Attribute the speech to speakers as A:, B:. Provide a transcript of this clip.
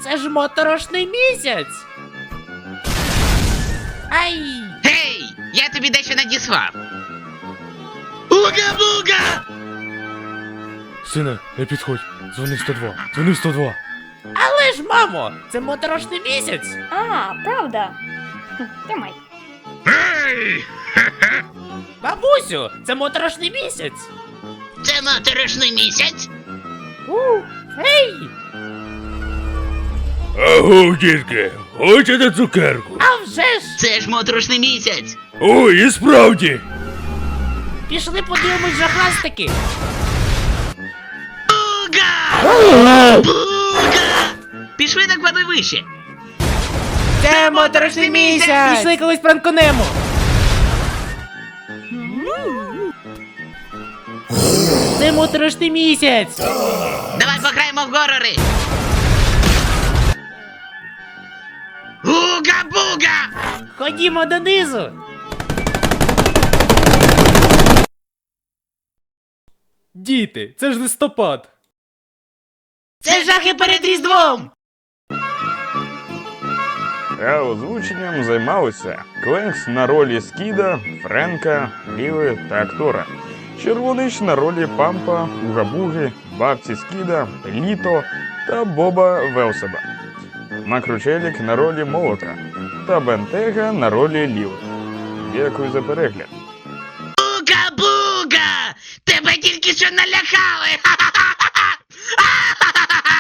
A: Це ж моторошний місяць! Ай!
B: Гей! Я тобі дещо надіслав. Уга-буга!
C: Сине, не підходь. Дзвони 102. Дзвони 102.
A: Але ж, мамо, це моторошний місяць!
D: А, правда. Тримай.
B: Гей!
A: Бабусю, це моторошний місяць!
B: Це моторошний місяць?
A: Ей!
C: Аго, дітки, хочете цукерку?
A: А вже ж!
B: Це ж моторошний місяць.
C: Ой, і справді.
A: Пішли подивимось жахастики!
B: Буга! Буга! Пішли на кладовище.
A: Це моторошний місяць! Пішли колись пранконемо! Це моторошний місяць!
B: Давай пограємо в горори. Уга-буга!
A: Ходімо донизу!
C: Діти, це ж листопад.
A: Це жахи перед Різдвом!
E: А озвученням займалися Кленкс на ролі Скіда, Френка, Ліви та актора. Червонич на ролі Пампа, Угабуги, бабці Скіда, Літо та Боба Велсеба. Макручелік на ролі Молота та Бентега на ролі Ліви. Дякую за перегляд.
B: Уга-буга! Тебе тільки що налякали! Ха!